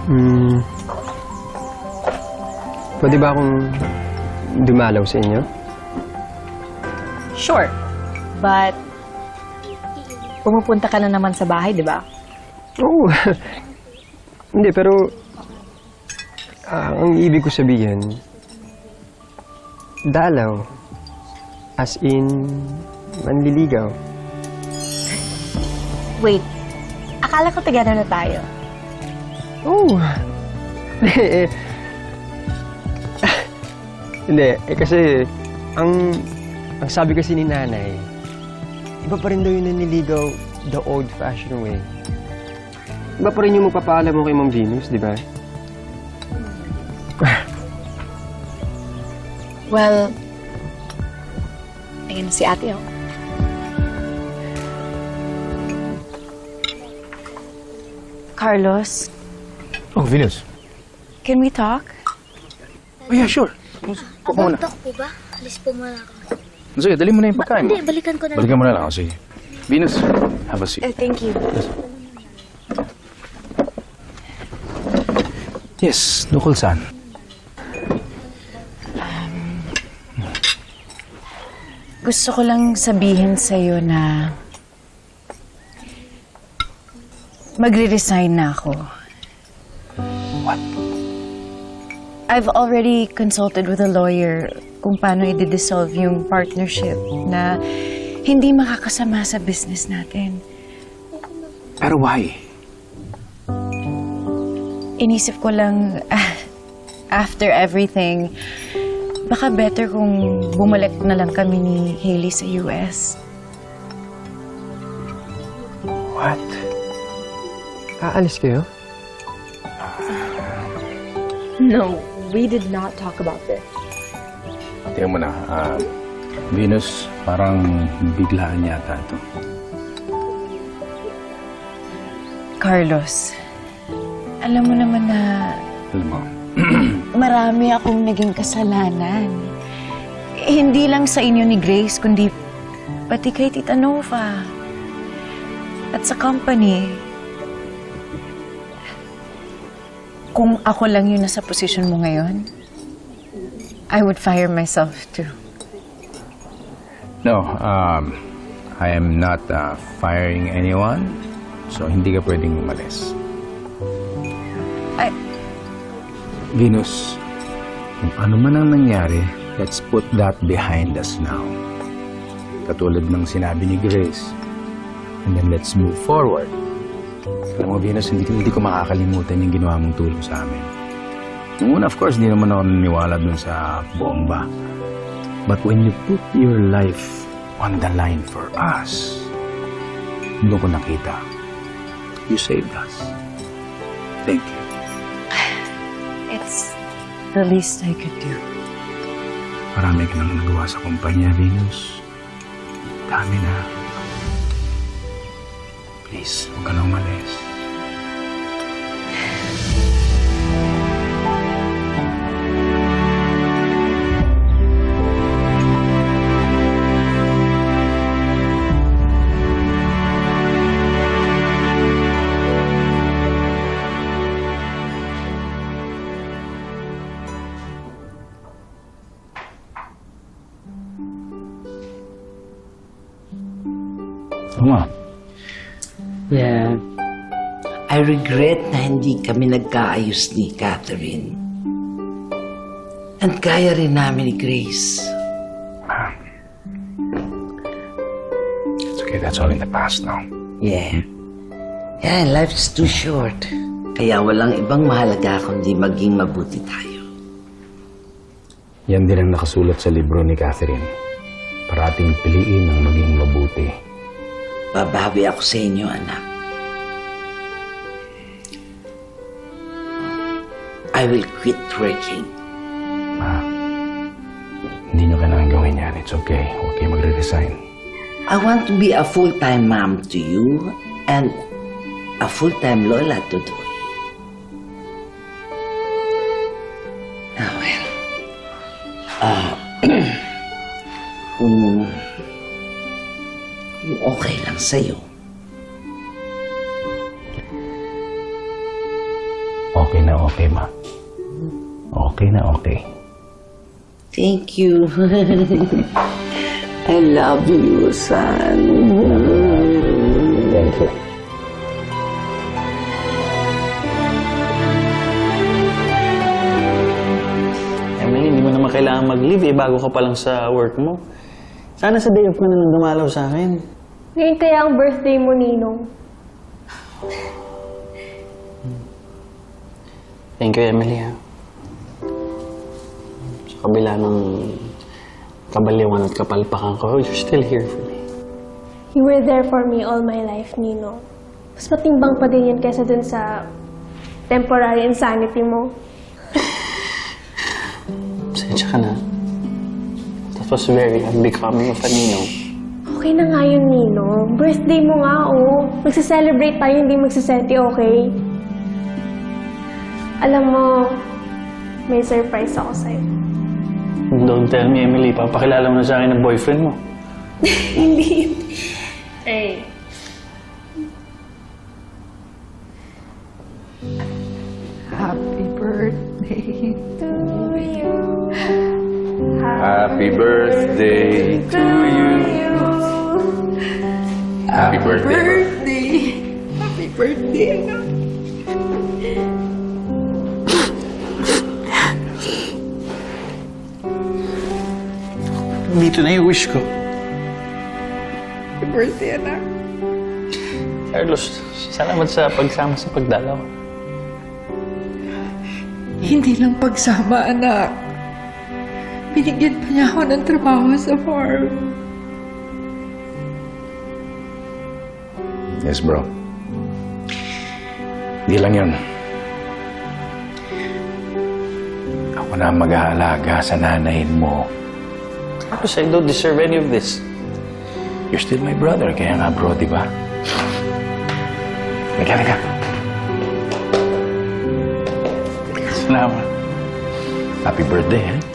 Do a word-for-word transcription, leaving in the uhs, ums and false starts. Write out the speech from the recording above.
Hmm. Pwede ba akong dumalaw sa inyo? Sure. But, pumupunta ka na naman sa bahay, di ba? Oo. Hindi, pero ah, ang ibig ko sabihin, dalaw. As in, manliligaw. Wait. Akala ko tagana na tayo. Oo. Eh, eh. Hindi, eh kasi, ang, ang sabi kasi ni nanay, iba pa rin daw yung nanliligaw the old-fashioned way. Iba pa rin yung magpapaalam mo kay Ma'am Venus, di ba? Well, ayun si ate, oh. Carlos, Oh, Venus. can we talk? Oh, yeah, sure. Pupo muna. About talk po ba? Alis po muna ako. Sige, dali mo na yung pagkain mo. Hindi, balikan ko na lang. Balikan mo na lang. Oh, sige. Venus, have a seat. Uh, thank you. Yes, Nukul-san. Gusto ko lang sabihin sa'yo na magre-resign na ako. What? I've already consulted with a lawyer kung paano i-dissolve yung partnership na hindi makakasama sa business natin. Pero why? Inisip ko lang, ah, after everything, baka better kung bumalik na lang kami ni Hailey sa U S. What? Aalis kayo? No, we did not talk about this. Tingnan mo na. ah, Venus, parang biglaan yata ito. Carlos, alam mo naman na Alam mo, marami akong naging kasalanan. Eh, hindi lang sa inyo ni Grace, kundi pati kay Tita Nova. At sa company. Kung ako lang yung nasa posisyon mo ngayon, I would fire myself too. no, um, I am not uh, firing anyone, so hindi ka pwedeng umalis. I... Venus, kung ano man ang nangyari, let's put that behind us now. Katulad ng sinabi ni Grace. And then let's move forward. Alam mo, Venus, hindi, hindi ko makakalimutan yung ginawa mong tulong sa amin. Nung una, of course, hindi naman ako naniniwala dun sa bomba. But when you put your life on the line for us, doon ko nakita, you saved us. Thank you. It's the least I could do. Marami ka nang nagawa sa kumpanya, Venus. Dami na. Please, huwag ka na umalis. Oo nga. Yeah. I regret na hindi kami nagkaayos ni Catherine. And kaya rin namin ni Grace. It's okay, that's all in the past now. Yeah. Yeah, life is too short. Kaya walang ibang mahalaga kundi maging mabuti tayo. Yan din ang nakasulat sa libro ni Catherine. Parating piliin ang maging mabuti. Babawi ako sa inyo, anak. I will quit working. Ma, hindi nyo kailangan gawin yan. It's okay. Huwag kayo magre-resign. I want to be a full-time mom to you and a full-time lola to Doy. Ah, well. Ah, kung, kung okay lang sa'yo. Okay okay, ma. Okay na okay. Thank you. I love you, son. Thank you. Emily, hindi mo naman kailangan mag-leave eh, bago ka pa lang sa work mo. Sana sa day off ka na lang dumalaw sa akin. Ngayon kaya ang birthday mo, Ninong. Thank you, Emily, ha. Sa kabila ng kabaliwan at kapalpakan ko, you're still here for me. You were there for me all my life, Ninong. Mas matimbang pa din yan kaysa dun sa temporary insanity mo. Pasensya ka na. That was very unbecoming of a ninong. Okay na nga yun, Ninong. Birthday mo nga, oh. Magsa-celebrate tayo, hindi magsaseti, okay? Alam mo, may surprise ako sa'yo. Don't tell me, Emily. Papakilala mo na sa akin ng boyfriend mo. Hindi. Hey. Happy birthday to you. Happy birthday to you. Happy birthday. Happy birthday, anak. Dito na yung wish ko. Happy birthday, anak. Carlos, salamat sa pagsama sa pagdalaw. Hindi lang pagsama, anak. Binigyan pa niya ako ng trabaho sa farm. Yes, bro. Hindi lang yun. Ako na ang mag-aalaga sa nanayin mo. Carlos, I don't deserve any of this. You're still my brother, kaya nga bro, di ba? Halika, halika. Salamat. Happy birthday, eh?